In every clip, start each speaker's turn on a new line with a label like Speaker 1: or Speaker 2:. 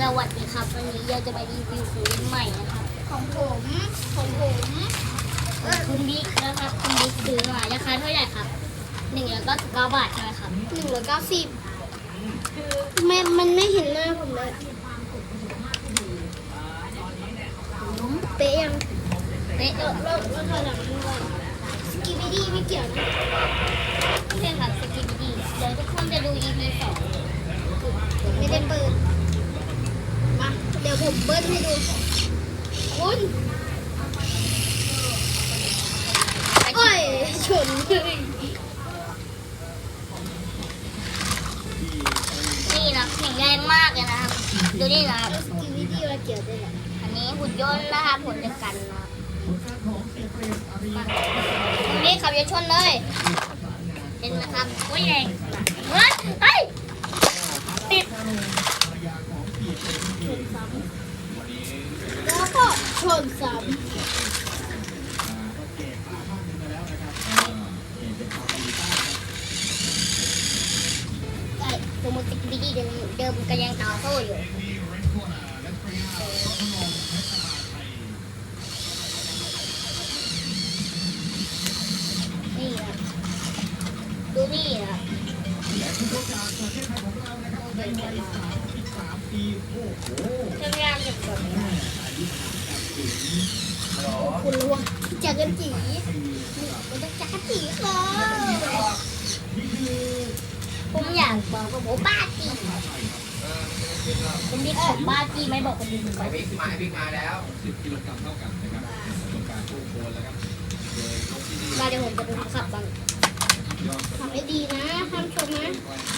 Speaker 1: สวัสดีครับวันนี้เราจะมารีวิวของเล่นใหม่นะครับของผมคุณบิ๊กนะครับคุณบิ๊กซื้อมาราคาเท่าไหร่ครับ199 บาทใช่ไหมครับ190มันไม่เห็นหน้าผมเลยเป๊ะยังเป๊ะแล้วถอยหลังด้วยสกิบิดี้ไม่เกี่ยวนะไม่ใช่ครับสกิบิดี้เดี๋ยวทุกคนจะดู EP 2ไม่ได้เปิดมาเดี๋ยวผมเบิ้ลให้ดูคุณโอ้ยชนเลยนี่นะแข็งแรงมากเลยนะครับดูนี่นะครับสกิบิดี้มาเกี่ยวด้วยแหละอันนี้หุ่นยนต์นะครับผลเดียวกันนะตรงนี้ขับอย่าชนเลยเห็นนะครับโอ้ยแรงเฮ้ยติดแล้วก็ชนซ้ำสมุดสกิบิดี้เดิมก็ยังต่อสู้อยู่นี่ครับดูนี่ครับทำงานกับแบบนี้คุณรู้ว่าจักรจีมันต้องจักรจีค่ะผมอยากบอกว่าผมบ้าจีผมบิ๊กของบ้าจีไม่บอกคนอื่นก่อน
Speaker 2: บิ๊กมาแล้ว10 กิโลกรัมเท่ากันนะครับกับการตู้โคนแล้วครับ
Speaker 1: มาเดี๋ยวผมจะดูขับบ้างขับให้ดีนะห้ามชนนะ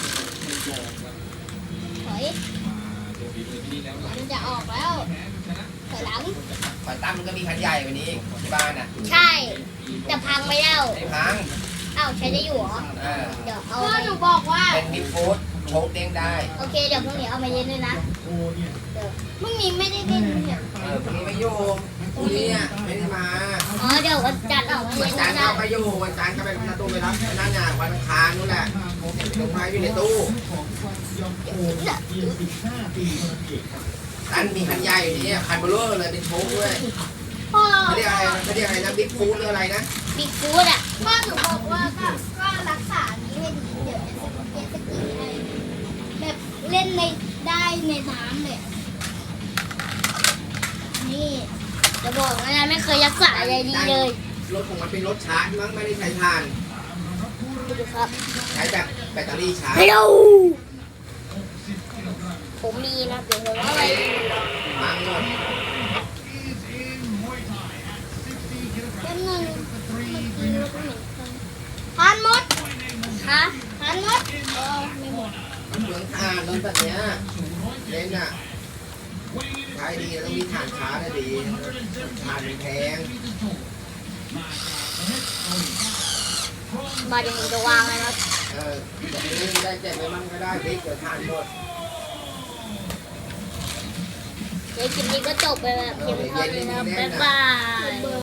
Speaker 1: ถอยมันจะออกแล้วถอยหลัง
Speaker 2: ขวัญตั้มมันก็มีคันใหญ่วันนี้ที่บ้านน่ะ
Speaker 1: ใช่แต่พังไม่แล้ว
Speaker 2: ไม่พัง
Speaker 1: อ้าวใช้ได้อยู่เหรอเดี๋ยวเอาหนูบอกว่า
Speaker 2: เป็นบิ๊กฟูดโชคเด้งได้
Speaker 1: โอเคเดี๋ยวพรุ่งนี้เอามาเย็นเลยนะเดี๋ยวพรุ่งนี้ไม่ได้เล่นเนี่ย
Speaker 2: พรุ่งนี้ไม่อยู่พรุ่งนี้ไม่ได้มา
Speaker 1: อ๋อเดี๋ยววันจันทร์เอามาเย็น
Speaker 2: วันจันทร์เอาไปอยู่วันจันทร์ก็ไปประตูไปรับนั่นน่ะวันอังคารนู่นแหละลงมาอยู่ในตู้ตั้นมีคันใหญ่อยู่นี่คันเบลอเลยเป็นโชคด้วยเขาเรียกอะไรนะบิ๊กฟูดหรืออะไรนะ
Speaker 1: บิ๊กฟูดอ่ะพ่อหนูบอกว่าก็รักษานี้ให้ดีเดี๋ยวจะสกีให้แบบเล่นได้ในน้ำเลยนี่จะบอกนะไม่เคยรักษาอะไรดีเลย
Speaker 2: รถของมันเป็นรถชาร์จมั้งไม่ได้ใช้ถ่าน
Speaker 1: ดูครับ
Speaker 2: ใช้แบบแบตเตอรี่ชาร์จ
Speaker 1: ฮัลโหลผมมีนะเดี๋ยวว่าอะไร
Speaker 2: มังหมด
Speaker 1: แป๊บนึงทานหมดฮะทานหมดไม่หมด
Speaker 2: เหมือนถ่านรถแบบเนี้ยเล่นอ่ะใช้ดีต้องมีถ่านชาร์จดีถ่านแพง
Speaker 1: มาเดี๋ยวผมจะวางเลยนะ
Speaker 2: ได้แจกไปมั่งก็ได้บิ๊กเดี๋ยวถ่านหมด
Speaker 1: เดี๋ยวคลิปนี้ก็จบไปแบบเพียงเท่านี้นะบ๊ายบาย